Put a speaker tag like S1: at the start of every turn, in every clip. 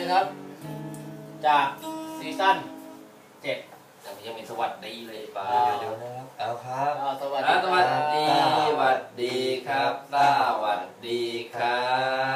S1: ครับจากซีซั่น7
S2: แต่ยังมีสวัสดีเลยป่า
S3: เดี๋ยวนะครับเอาครับ
S1: สวัส
S2: สวัส
S1: ดี
S2: ดีสวัสดีครับสวัสดีครับ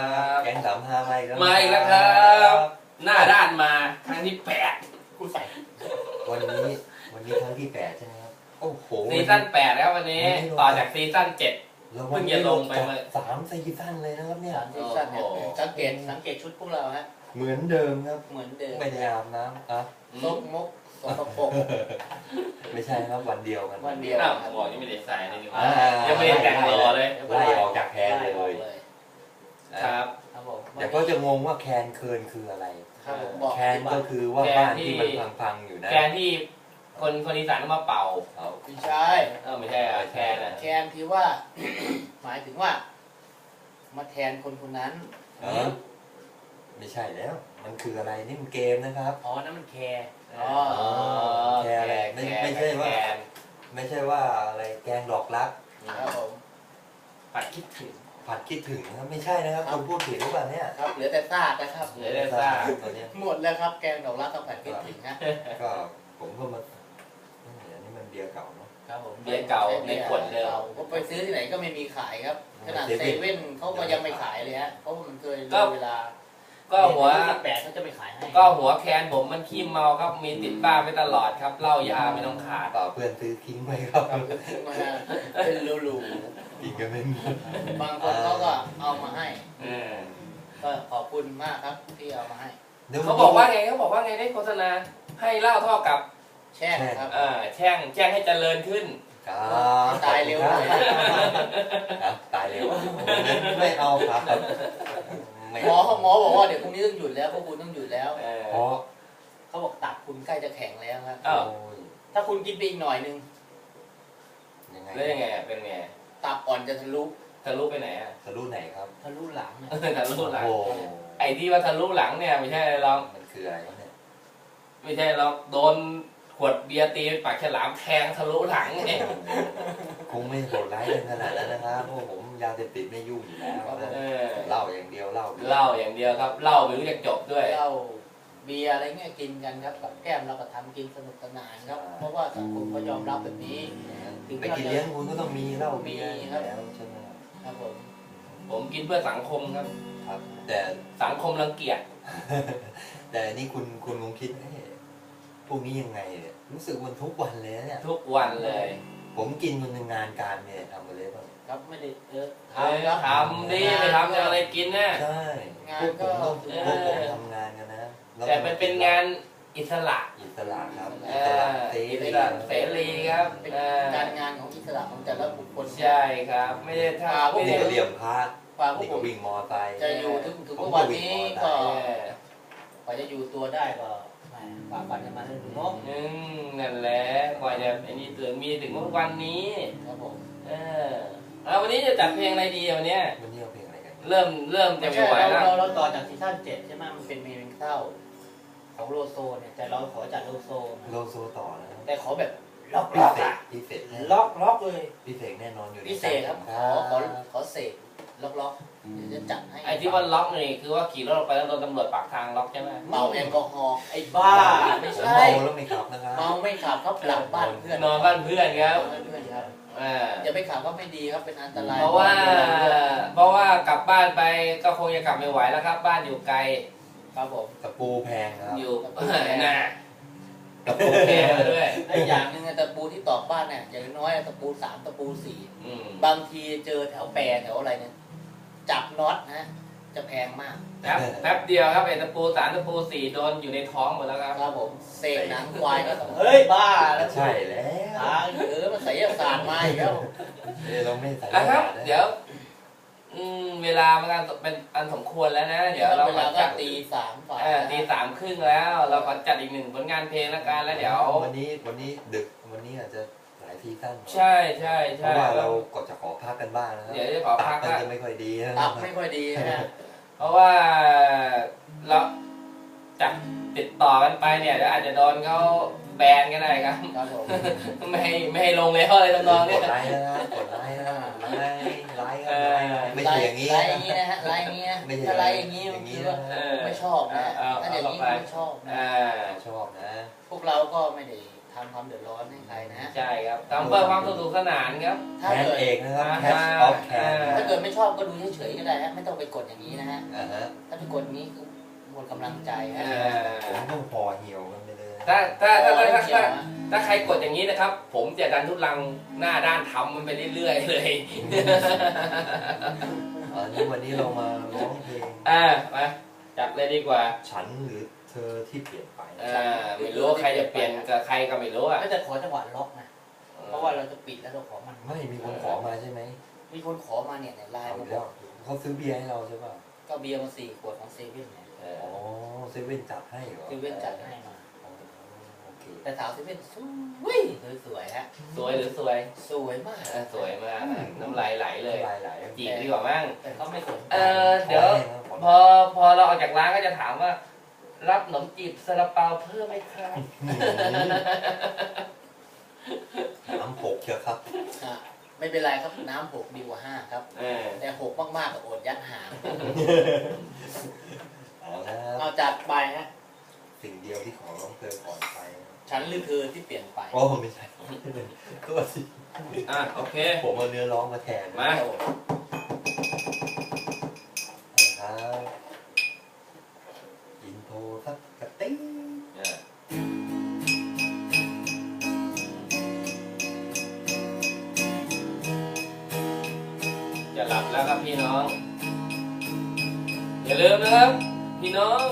S3: แก๊งสามห้าไม่ครับ
S2: มาอีกแล้วครับ หน้าด้านมาครั้งที่8
S1: กูใส่
S3: วันนี้ครั้งที่8ใช่ไหมครับโอ้โห
S2: ซีซั่น8แล้ววันนี้ต่อจากซีซั่น7
S3: แล้ว
S2: เพิ่งจะลงไปเมื่อ
S3: 3ซีซั่นเลยนะครับเนี่ย
S1: ซีซั่นเนี่ยสังเกตชุดพวกเราฮะ
S3: เหมือนเดิมครับ
S1: เหมือนเดิม
S3: ไม่ได้อาบน้ำอ่ะ
S1: ซกมกสกปรก
S3: ไม่ใช่ครับวันเดียวกัน
S1: วันเดียว
S2: อ้าวผมบอกยังไม่ได้ใส่เลยนี่หว่า
S3: อ่า
S2: ยังไม่ได้แต่งรอเลย
S3: ไล่ออกจากแคนเลย
S2: ครับ
S1: ครับผม
S3: เดี๋ยวก็จะงงว่าแคนเคิร์นคืออะไร
S1: ครับผมบอก
S3: แคนก็คือว่าบ้านที่มันพังๆอยู่นะ
S2: แกนที่คนอีสานเอามาเป่า
S3: เอา
S1: ไม่ใช่
S2: ไม่ใช่อะแคนอะ
S1: แคนที่ว่า หมายถึงว่า มาแทนคนคนนั้น
S3: เออไม่ใช่แล้ว มันคืออะไรนี่มันเกมนะครับ
S1: อ๋อนั่นมันแคร์อ๋อ
S3: แคร์อะไรไม่ใช่ว่า
S2: แคน
S3: ไม่ใช่ว่าอะไรแกงดอกรัก
S1: ครับผม
S2: ผัดคิดถึง
S3: ผัดคิดถึงนะครับไม่ใช่นะครับคุณพูดผิดหรือเปล่าเนี่ย
S1: ครับเหลือแต่ซากนะครับ
S2: เหลือแต่ซาก
S3: ตอนเนี้ย
S1: หมดแล้วครับแกงดอกรักต้องผัดพริกถึงนะ
S3: ก็ผมก็มาอันนี้มันเบียร์เก่าเนาะ
S1: ครับผม
S2: เบียร์เก่าในขวดเดิม
S1: ก็ไปซื้อที่ไหนก็ไม่มีขายครับขนาดเซเว่นเขาก็ยังไม่ขายเลยฮะเพราะว่ามันเคยเลยเวลา
S2: ก็หัว
S1: แปดเขาจะไม่ขายให้
S2: ก็หัวแคนผมมันขี้เมาครับมีติดบ้านไปตลอดครับเหล้ายาไม่ต้องขาด
S3: ต่อเพื่อนซื้อทิ้งไว้ครับ
S1: มาเป็นหรู
S3: กินกันไม่หมด
S1: ๆบางคนเขาก็เอามาให้
S2: เออ
S1: ก็ขอบคุณมากครับที่เอามาให้
S2: เขาบอกว่าไงได้โฆษณาให้เหล้าเท่ากับ
S1: แช่ครับ
S2: แช่งให้เจริญขึ้น
S1: ตายเร็วเลย
S3: ครับตายเร็วไม่เอาครับไม่
S1: หมอบอกว่าเดี๋ยวพรุ่งนี้ต้องหยุดแล้วพวกคุณต้องหยุดแล้ว
S3: เพราะ
S1: เขาบอกตับคุณใกล้จะแข็งแล้วครับ
S2: อ้าว
S3: โอ้ย
S1: ถ้าคุณกินไปอีกหน่อยนึง
S3: ยังไง
S2: แล้วยังไงเป็นไง
S1: ตับอ่อนจะทะลุ
S2: ทะลุไปไหนอ่ะ
S3: ทะลุไหนครับ
S1: ทะลุหลังนะ
S2: ทะลุหลัง
S3: โอ้โห
S2: ไอ้ที่ว่าทะลุหลังเนี่ยไม่ใช่อะไรหรอก
S3: มันคืออะไรครับเนี่ย
S2: ไม่ใช่หรอกโดนขวดเบียร์ตีปากฉลามแทงทะลุหลังไง
S3: คงไม่โหดร้ายกันขนาดนั้นนะครับเพราะผมยาเสพติดไม่ยุ่งอยู่แล้วนะ
S2: เออ
S3: เหล้าอย่างเดียวเหล้า
S2: เหล้าอย่างเดียวครับเหล้าไม่รู้จักจบด้วย
S1: เหล้าเบียร์อะไรเงี้ยกินกันครับกับแก้มเราก็ทำกินสนุกสนานครับ เพราะว่าสังคมก็ยอมรับแบบนี้
S3: ไปกินเลี้ยงคุณก็ต้องมีเหล้าเบียร์
S1: มีครับ
S3: แล้วใช่ไหมครับ
S1: ครับผม
S2: ผมกินเพื่อสังคมครับ
S3: ครับ แต่
S2: สังคมรังเกียจ
S3: แต่นี่คุณคงคิดเอ๊ะพวกนี้ยังไงเนี่ยรู้สึกมันทุกวันเลยนะเนี่ย
S2: ทุกวันเลย
S3: ผมกินมันในงานการเนี่ยทำมาเลยป่ะ
S1: ครับไม่ได้
S2: เออ
S1: ทำครับ
S2: ทำดิไปทำจะอะไรกินนะ
S3: ใช่
S1: งาน
S3: พวก
S1: ก็
S3: ผมต้อง
S2: เออ
S3: พวกผมทำงานกันนะล้ว
S2: แต่มันเป็นงานอิสระ
S3: อิสระครับ
S2: เอ
S3: อิสระ
S2: อ
S3: เส
S2: อิส
S3: รี
S2: ระเสรีครับ
S1: เป็น
S2: เออ
S1: การงานของอิสระของแต่ละบุคคล
S2: ใช่ครับ ไม่ได้ทำ
S1: พวก
S2: ไม่
S3: นี่
S2: ได้
S3: ก็เหลี่ยมพระ
S1: กว่าพวก
S3: นี่
S1: ผ
S3: ก็
S1: ม
S3: วิ่งมอไซค์
S1: จะอยู่ถึง
S3: ผม
S1: วันนี้ก็
S2: เออก
S1: ว่าจะอยู่ตัวได้ก็แหมฝ่าฟันกันมาถึงเนาะ
S2: นั่นแหละกว่าจะไอ้นี่ถึงมีถึงวันนี้
S1: ครับผม
S2: เออแล้ววันนี้จะจัดเพลงอะไรดีอ่ะวันเนี้ย
S3: วันนี้เอาเพลงอะไรกัน
S2: เริ่มจะ
S1: ไม่
S2: ไม่
S1: ใช่
S2: ไหวแล้ว
S1: เราต่อจากซีซั่น7ใช่ไหมมันเป็นเพลงเศร้าของโลโซเนี่ยแต่เราขอจัดโลโซ
S3: โลโซต่อนะครับ
S1: แต่ขอแบบล็อก
S3: พิ
S1: ล็อก
S3: เศษ
S1: อะ
S3: พิเศษ
S1: ล็อกเลย
S3: พิเศษแน่นอนอยู่ใน
S1: พิเศษครับขอเสกล็อกเดี๋ยวจะจัดให้
S2: ไอ้ที่ว่าล็อกนี่คือว่าขี่รถออกไปแล้วโดนตำรวจปากทางล็อกใช่ไหม
S1: เมาแอลกอฮอล์ไอ้บ้าไม่
S3: ผม
S1: ใช่
S3: เมาแล้วไม่ขับนะครับ
S1: เมาไม่ขับครับหลับบ้านเพื่อน
S2: นอนบ้านเพื่อนครับ
S1: เพื่อนครับ
S2: อ่า
S1: อย่าไปขับก็ไม่ดีครับเป็นอันตราย
S2: เพราะว่ากลับบ้านไปก็คงจะกลับไม่ไหวแล้วครับ บ้านอยู่ไกล
S1: ครับผม
S3: ตะปูแพงครับ
S2: อยู่น่ะตะปูแพงมาด้วย
S1: และอย่างหนึ่งตะปูที่ตอกบ้านเนี่ยอย่างน้อยตะปู3ตะปู4
S2: อืม
S1: บางทีเจอแถวแปรแถวอะไรเนี่ยจับน็อตนะจะแพงมาก
S2: แป๊บเดียวครับไอ้ตะปู3ตะปู4โดนอยู่ในท้องหมดแล้วครับ
S1: ครับผมเสกหนังควายก็ต้องเฮ้ยบ้าแล้ว
S3: ใช่แล้ว
S1: ทางมันไสยศาสตร์มาอีกแล้ว
S3: เราไม่ใส่
S2: นะครับ
S3: นะ
S2: เดี๋ยวเวลามันก็เป็นอันสมควรแล้วนะ เดี๋ยวเรา
S1: เว
S2: ขอ
S1: ลาก็
S2: จัด
S1: ตี3ฝ่าย
S2: ตี 3:30แล้ว เราขอจัดอีกหนึ่งผลงานเพลงแล้วกันแล้วเดี๋ยว
S3: วันนี้ดึกวันนี้อาจจะหลายซีซั่นหน่อย
S2: ใช่ใช่
S3: เพ
S2: ใช่
S3: ราะว่าเราก็จะขอพักกันบ้างนะครับ
S2: เดี๋ยวจะขอพัก
S3: ตั
S2: ละ
S3: บจะไม่ค่อยดีนะ
S1: ตับไม่ค่อยดีนะฮะ
S2: เพราะว่าเราจัดติดต่อกันไปเนี่ยเดี๋ยวอาจจะโดนเขาแบนก็ได้ครับ
S1: ครับผม
S2: ไม่ให้ลงแล้วอะไรทำนอง
S3: ก
S2: เนี้ย
S3: ดไลค์นะครับกดไลค์นะไลค์ครับไลค์ครับไลค์อย่างนี้
S1: ไล่อย่างนี้นะฮะไล่อย่างนี้นะ
S3: ไม่ใช่
S1: ถ้าไล่อย่างนี้มันคือว่าไม่ชอบนะถ้าอย่างนี้ไม่ชอบนะ
S3: ชอบนะ
S1: พวกเราก็ไม่ได้ทำความเดือดร้อนให้ใครนะ
S2: ใช่ครับทำเพื่อความสนุกสนานครับ
S1: ถ้า
S3: แคน
S1: เกิด
S3: เอกนะครับแคชออฟแคน
S1: ถ้าเกิดไม่ชอบก็ดูเฉยๆก็ได้ฮะไม่ต้องไปกดอย่างนี้นะฮะ
S3: ฮะ
S1: ถ้าไปกดอย่างนี้คือหมดกำลังใจฮะ
S3: ผมต้องพอเหี่ยวกันไปเลย
S2: ถ้าใครกดอย่างนี้นะครับ ผมจะดันทุลังหน้าด้านทำมันไปเรื่อยๆเลย
S3: นี่วันนี้เรามาร้องเพลง
S2: มาจัดเลยดีกว่า
S3: ฉันหรือเธอที่เปลี่ยนไป
S2: ไม่รู้ว่าใครจะเปลี่ยนกับใครก็ไม่รู้อ่ะ
S1: ก็จะขอจังหวะล็อกนะเพราะว่าเราจะปิดแล้วเราขอมัน
S3: ไม่มีคนขอมาใช่ไหม
S1: มีคนขอมาเนี่ยในไลน์
S3: เอา
S1: มาบ
S3: แล้
S1: อ
S3: ว
S1: ก
S3: เขาซื้อเบียร์ให้เราใช่ป่ะ
S1: ก็เบียร์มา4 ขวดของเซเว่นเนี่ย
S3: อ๋อเซเว่นจัดให้เหรอ
S1: เซเว่นจัดให้มา
S3: โอเค
S1: แต่สาวเซเว่นสวยฮะ
S2: สวยหรือสวย
S1: สวยมาก
S2: สวยมากน้ำลายไหลเลย
S3: หลายๆ
S2: จีบดีกว่ามั้ง
S1: แต่เขาไม่สนใจ
S2: เดี๋ยวพอเราออกจากร้านก็จะถามว่า รับขนมจีบซาลาเปาเพิ่มไหมครับ
S3: น้ำผกเชียวครับ
S1: ไม่เป็นไรครับน้ำ6 ดีกว่า5ครับแต่6มากๆก็อดยัดหาง
S3: เอาละค
S1: เอา
S3: รับ
S1: จัดไปฮะ
S3: สิ่งเดียวที่ขอร้องเธอก่อนไป
S1: ฉันหรือเธอที่เปลี่ยนไป
S3: โอ้ไม่ใช่ก็สิ
S2: โอเค
S3: ผมเอาเนื้อร้องมาแทน
S2: มา
S3: ครับอินโทรสักกระติ้ง
S2: จะหลับแล้วครับพี่น้อง อย่าลืมนะครับ พี่น้อง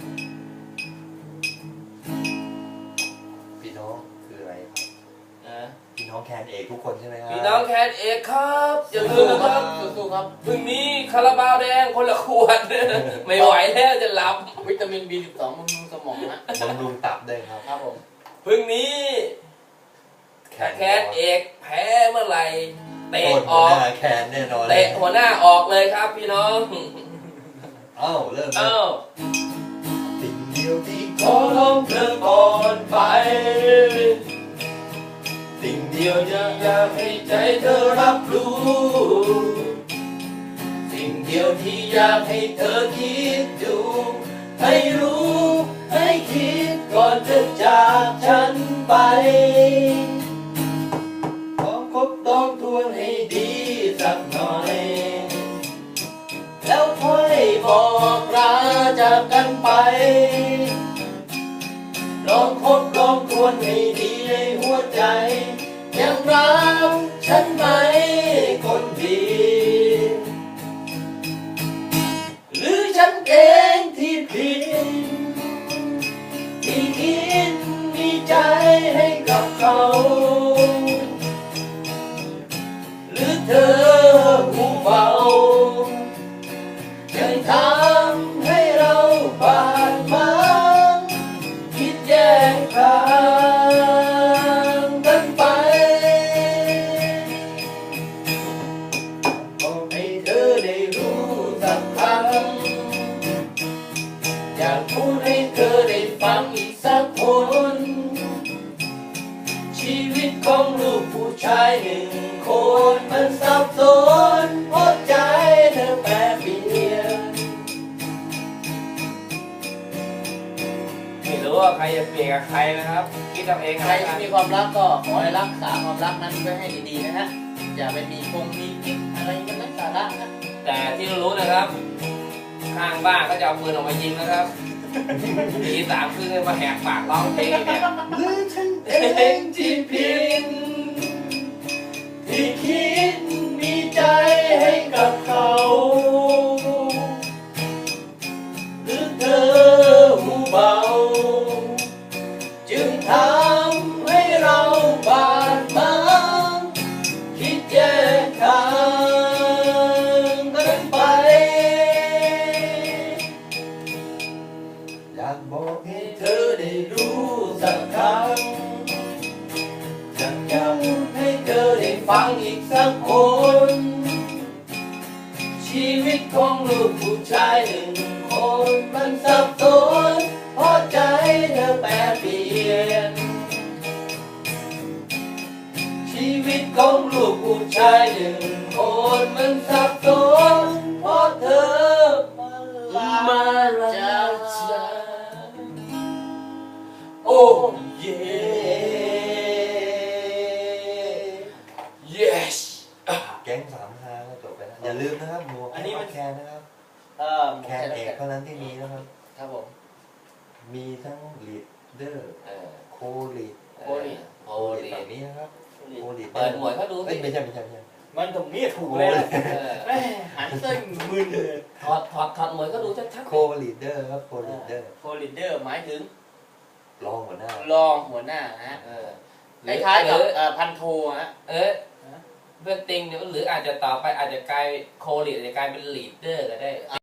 S3: พี่น้องคืออะไรครับ
S2: นะ
S3: พี่น้องแคนเอกทุกคนใช่ไหมครับ
S2: พี่น้องแคทเอกครับอย่าลืมนะครับ
S1: สู้ๆครับ
S2: พรุ่งนี้คาราบาวแดงคนละขวด ไม่ไหวแล้วจะหลับ
S1: วิตามิน B12 บำรุงสมองนะ
S3: บำรุงตับด้วยครับ
S1: ครับผม
S2: พรุ่งนี้แคทเอกแพ้เมื่อไหร่เตะ
S3: โคตร
S2: อ
S3: หัว
S2: อก
S3: หน้าแคนแน่นอน
S2: เตะหัวหน้าออกเลยครับพี่น้อง
S3: เอ้าเริ่ม
S2: เอ้า
S3: สิ่งเดียวที่
S2: ขอร้องเธอก่อนไป
S3: สิ่ง
S2: เดียวจะอยากให้ใจเธอรับรู้ สิ่งเดียวที่อยากให้เธอคิดดู ให้รู้ให้คิดก่อนจะจากฉันไป ขอคบต้องทวนให้ดีสักหน่อย แล้วค่อยบอกลาจากกันไป ลองคบลองทวนให้ดีในหัวใจ ยังรักฉันไหมคนดี หรือฉันเองที่ผิดที่คิดมีใจให้กับเขา หรือเธอหูเบายังทำให้เราบาดหมางคิดแยกทางกันไปบอกให้เธอได้รู้สักครั้งอยากพูดให้เธอได้ฟังอีกสักคน ชีวิตของลูกผู้ชาย1 คนมันสับสนเพราะใจเธอแปรเปลี่ยนไม่รู้ว่าใครจะเปลี่ยนกับใครนะครับ คิดเอาเอง
S1: ใครที่มีความรักก็ขอให้รักษาความรักนั้นไว้ให้ดีๆนะฮะอย่าไปมีกิ๊กอะไรกันนะสาระนะ
S2: แต่ที่รู้นะครับ ข้างบ้านก็จะเอาปืนออกมายิงนะครับตี3 คืนมาแหกปากร้องเพลงเนี่ย
S3: หรือฉันเอ
S2: เอง งที่ผิดที่คิดมีใจให้กับเขา หรือเธอหูเบาจึงทำให้เราบาดหมางคิดแยกทางกันไป
S3: อยากบอกให้
S2: ให้เธอได้รู้สักครั้งอยากให้เธอได้ฟังอีกสักคน ชีวิตของลูกผู้ชาย1 คนมันสับสนเพราะใจเธอแปรเปลี่ยน ชีวิตของลูกผู้ชาย1 คนมันสับสน
S3: าก็จบไปแล้วอย่าลืมนะครับหมวก
S2: อันนี้มัน
S3: แคนนะครับ
S2: หมวก
S3: แคนเอกเท่านั้นที่มีนะครับ
S1: ครับผม
S3: มีทั้งลีดเดอร์
S4: เออ
S3: โคลีด
S1: โคลีด
S4: โคลี
S3: แบบนี้นะครับโคลีด
S4: เปิดหมวดเขาดู
S3: เอ้
S4: สิ
S3: ยไม่ใช่ไม่ใช่
S2: มันตรงนี้ถูกเลยนะ
S4: เออ
S2: แม่หันเส้นมึนเลย
S4: ถอดหมวดเขาดูชัด
S3: โคลีดเดอร์ครับโคลีดเดอร์
S2: โคลิเดอร์หมายถึง
S3: รองหัวหน้าร
S1: องหัวหน้านะฮะ
S4: ๆเออ
S1: คล้ายๆกับพันโทฮะ
S4: เออเพื่อนติงเนี่ยหรืออาจจะต่อไปอาจจะกลายโคลีดอาจจะกลายเป็นลีดเดอร์ก็ได้